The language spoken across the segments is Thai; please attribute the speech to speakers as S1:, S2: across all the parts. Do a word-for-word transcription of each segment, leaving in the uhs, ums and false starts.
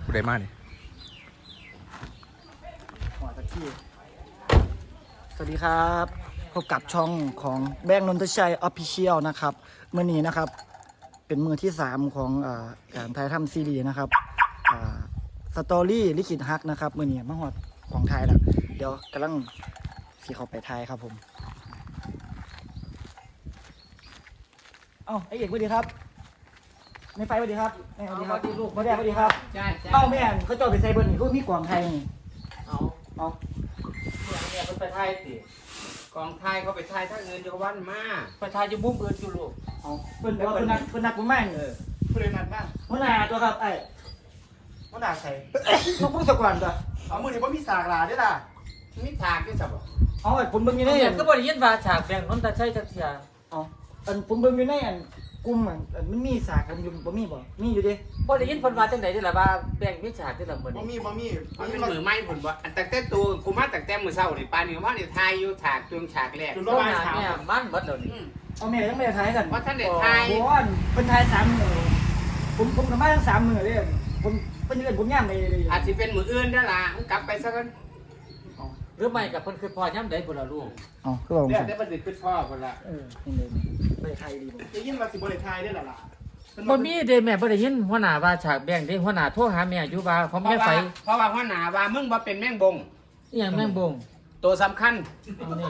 S1: ผู้ใดมาเนี่ย
S2: หัวตะกี้สวัสดีครับพบกับช่องของแบงค์นนทชัยออฟฟิเชียลนะครับเมื่อนี้นะครับเป็นมือที่สามของอการถ่ายทำซีรีส์นะครับสตอรี่ลิขิตฮักนะครับเมื่อนี้มาหอดของไทยแล้วเดี๋ยวกำลังสีเขาไปไทยครับผมเอ้าไอเอกสวัสดีครับในไฟสวัสดีครับแม่สวัสดีครับลูกพ่อแดงสวัสดีครับ
S3: ใช่
S2: เอ้าแม่เขาจอดไปใส่เบอร์นี่เขามีกวางไทยนี่
S3: เอา
S2: เอา
S3: เนี่ยเป็นไปไทยสิกองไทยเขาไปไทยถ้าเงินจะวันมาไปไทยจะบุ้มเงินอยู่ลูก
S2: เอาเพิ่นเอาเพิ่นนักเพิ่นนักผมแม่ง
S3: เออ
S2: ผู้ใดนักบ้างหัวหน้าตัวครับไอ้หัวหน้าใส่ต้องพูดสักวันตัวเอามือนี่บ่มีสากหลาเด้อล่ะ
S3: มีฉากด้วยสับ
S2: เอาไอ้ผมเบิ่งอยู่ใน
S4: เนี่
S2: อั
S4: ย
S2: น
S4: ก็บริยินว่าฉากแบ่งน้นตาใช่จักเทีย
S2: เอาอันผมเบิ่งอยู่ในอันกลุ่มอันอันมันมีสากผมอยู่บ่มีบ่มีอยู่ดิ
S4: บริยินเพิ่นว่าจังได๋นี่ล่ะว่าแบ่งมีฉากที่ละมื้อ
S5: บ่
S4: นี้
S5: มีบ่มี
S3: มันเป็นมือไม้ผลบ่อันแต่แต่ตัวกูมาแต่แต่มือเศร้านี่ปานนี้ว่านี่ไทยอยู่ฉากจวงฉากแรก
S5: จุด
S4: โซ
S5: ระบาย
S4: นา
S5: สาม
S4: เนี่ยมันเบิดแล้วนี่
S2: เอาแม่ยังไม่ได้ทายกัน
S3: ว่าท่านเด็ดไทย
S2: โอ้ยเพิ่นทายสามมื้อผมผมกับมาทั้งสามมื้อเลยผมเพิ่นเอิ้นผมย่ำเลยเลย
S3: อาจจะเป็นมืออื่นได้ล่ะกลับไปซะกัน
S4: หรือไม่กับเพิ่นคือพอย่ำใดพุ่นล่ะลูก
S2: อ๋อคือว่าผม
S3: เดี๋ยว
S2: สั่น
S3: ได้ประดิษฐ์ขึ้นพ่อคนละ
S2: เออนี่เลยไม่ได้ทายดีบ่
S5: จะยินว่าสิบ่ได้ทายได้ล่ะล่ะ
S4: บ่มีเด้แม่บ่ได้ยินหัวหน้าว่าฉากแบ่งเด้หัวหน้าโทรหาแม่อยู่ว่าเขา
S3: เพ
S4: แม่
S3: ราะ
S4: ไฟ
S3: ว่าเพราะว่าหัวหน้าว่ามึงบ่เป็นแม่งบง
S4: อีหยังแม่งบง
S3: ตัวสำคัญ
S4: เอานี่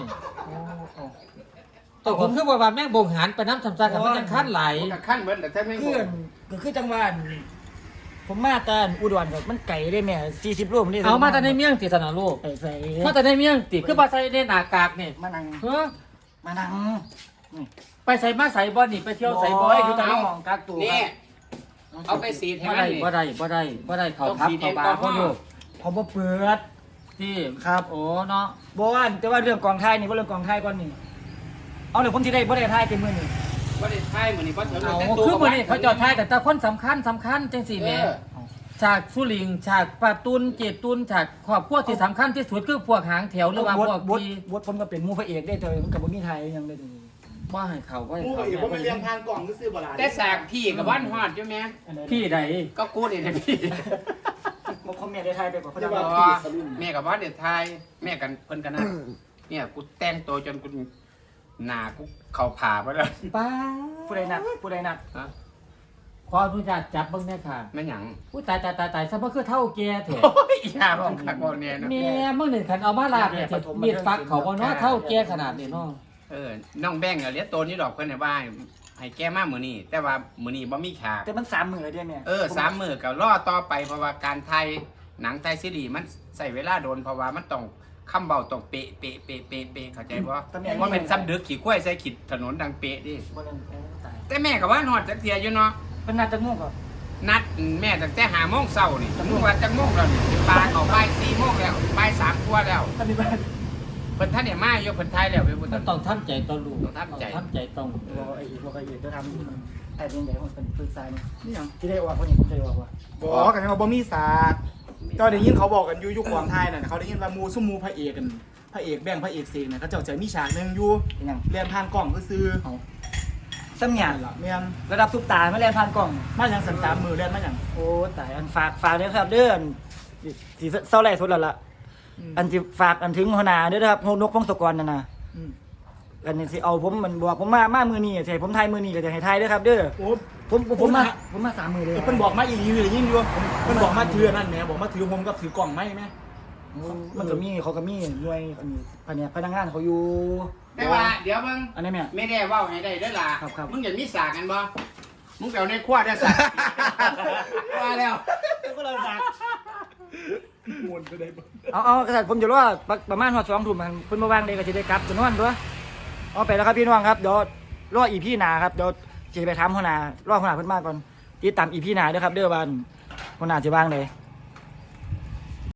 S4: แต่ผมคือว่าว่าแม่งบงหารไปน้ำสำซักกับมันยังคันหลาย
S3: มันก็ขั้นเบิดแต่ถ้าแม่งบ
S2: คือง ก็คือจังหวัดผมมาแต่อุดรครับมันไก่ได้แม่สี่สิบโลมันนี่
S4: เอามาแต่ในเมียงติสนะลูก
S2: ใส่ใส่
S4: มาแต่ในเมียงติคือบ่ใส่ในหน้ากากนี่
S2: มานั่ง
S4: เฮ้อ
S2: มานั่ง
S4: ไปใส่มาใส่บ่นี่ไปเที่ยวใส่บ่ให้อยู่ตา
S2: น้องกักตัว
S3: นี่เอาไปสีดให้
S4: บ่
S3: มัน
S4: ได้
S3: นี่
S4: บ่ได้บ่ได้บ่ได้เขาทับเขาบาเขาลูก
S2: ผมบ่เปิด
S4: ที่
S2: ครับ
S4: โอ้เนาะ
S2: บ่ว่าแต่ว่าเรื่องกองไทยนี่ว่าเรื่องกองไทยก่อนนี่เอาเดี๋ยวผมสิได้บ่ได้ไทยเต็มมือนี่
S3: บ่ได้ไทยมื้อนี้บ่ถึง
S4: เอา
S3: แต่ตัว
S4: คือมื้อนี้เขาจอดท้ายแต่แต่คนสำคัญสำคัญจังซี่แหม่ฉากสุลิงฉากปาตุนเจตุนฉากครอบครัวที่สำคัญที่สุดคือพวกหางแถวหรือว่าพวก
S2: บท
S4: ที่
S2: บทผมก็เป็นหมู่พระเอกได้เธอมันก็บ่มีไทยยังได้
S4: บ่ให้เขาบ่ให้
S5: มู
S4: เขา
S5: อีกว่ามันเรียงทางกล่องซื่อๆบ่ล่ะ
S3: แต่ฉากพี่กับวันฮอดอยู่แม่
S4: พี่ใด
S3: ก็กูนี่นะพี่
S2: บ่คอมเมนต์ได้ไทยไปบ่เขา
S5: จะ
S2: จะ
S5: ว่า
S2: ว่า
S5: พี่สลุน
S3: แม่กับว่าเด็ดไทยแม่กันเพิ่นกันนะเนี่ยกูแต่งตัวจนกูหน้ากูเข้าผ่าไปแล้ว
S4: ป้า
S2: ผู้ใดนัดผู้ใดนัด
S3: ฮะ
S4: ขออนุญาตจับเบิ่งแน่ค่ะ
S3: แม่หยัง
S4: อุ้ยตายตายตายตายซะบ่คือเท่าแก่แท้
S3: โอ้ยอย่าบอกคักบ่เนี่ยนะ
S4: แม่มึงนี่คันเอามาลาดเนี่ยสิมีดฟักเขาบ่เนาะเท่าแก่ขนาดนี้เนาะ
S3: เออน้องแบงค์อะเลี้ยงตัวนี้ดอกเพิ่นให้ว่าให้แก้มามื้อนี้แต่ว่ามื้อนี้บ่มีฉาก
S2: แต่มันสามมื้อแล้วเด้แม่
S3: เออสามมื้อก็รอต่อไปเพราะว่าการไทยหนังไทยซีรีส์มันใช้เวลาโดนเพราะว่ามันต้องคำเบาต้องเป๊ะเป๊ะเป๊ะเป๊ะเป๊ะเข้าใจบ่ว่าเป็นซ้ำดึกขี่กล้วยใส่ขีดถนนดังเป๊ะดิ
S2: บ่นั่นตาย
S3: แต่แม่ก็ว่าฮอดจักเที่ยอยู่เนาะ
S2: เพิ่นนัดจักโมงก่อน
S3: นัดแม่ตั้งแต่หาโมงเช้านี่มึงว่าจังโมงแล้วนี่ปลาเขาบ่ายสี่โมงแล้วบ่ายสามกว่าแล้ว
S2: ท่านนี่บ้าน
S3: เพิ่นท่านเนี่ยมาอยู่เพิ่นไทยแล้วเว้ยพุ่น
S4: มันต้องทำใจต่อลูก
S3: ต้องทำใจ
S4: ทำใจต้อง
S2: บ่ไอ้อีกบ่ไอ้อีกจะทำมันแต่เป็นใหญ่ของเป็นปรึกษานี่นี่หยังสิได้ออกคนนี้ผมจะได้ออกว่า
S5: บอกกันว่าบ่มีสากก็ได้ยินเขาบอกกันอยู่ยุคกองไทยน่ะเขาได้ยินว่ามูซุมูพระเอกกันพระเอกแบ่งพระเอกเสกน่ะเขาเจ้าจะมีฉากนึงอยู่
S2: เป็นหยัง
S5: เรียนทางกล่องซื่อ
S2: เอาซ้ำหยัง
S5: ๆล่ะแม่น
S2: ระดับซุปตามาเรียนผ่านกล้อง
S5: มาหยังสันสามมือเรียนมาหยัง
S2: โอ้ตายอันฝากฝากเด้อครับเด้ออันสิสิเศร้าแรกสุดแล้วล่ะอันสิฝากอันถึงหัวหน้าเด้อครับนกพงศกรนั่นน่ะ
S5: อืม
S2: อันนี้สิเอาผมมันบอกผมมามามือนี้สิให้ผมทายมือนี้ก็จะให้ทายเด้อครับเด้อ
S5: โอ้
S2: ผมผมผมมาผมมาสามมือเลย
S5: เพิ่นบอกมาอีกอยู่ได้ยินอยู่เพิ่นบอกมาถือนั่นแหมบอกมาถือผมกับถือกล่องไม้แม่
S2: มันก็มีเขาก็มีหน่วยอันนี้พนักพนักงานเขาอยู่
S3: แต่ว่าเดี๋ยวมึง
S2: อันนี้แม่
S3: ไม่ได้เว้าให้ได้เด้อล่ะ
S2: ครับครับ
S3: มึงอยากมีสากกันบ่มึงไปเอาในครัวได้สากว่าแล้ว
S2: ก็เลยฝาก
S5: มวนไปได้บ่
S2: เอาเอากระดาษผมจะรู้ว่าประมาณหัวสองทุ่มมันเพิ่นมาวางเลยก็จะได้กลับจนวันตัวเอาไปแล้วครับพี่น้องครับเดี๋ยวรออีพี่หนาครับเดี๋ยวจะไปถามหัวหน้ารอหัวหน้าเพิ่นมาก่อนติดตามอีพี่หนาเด้อครับเด้อวันหัวหน้าจะวางเลย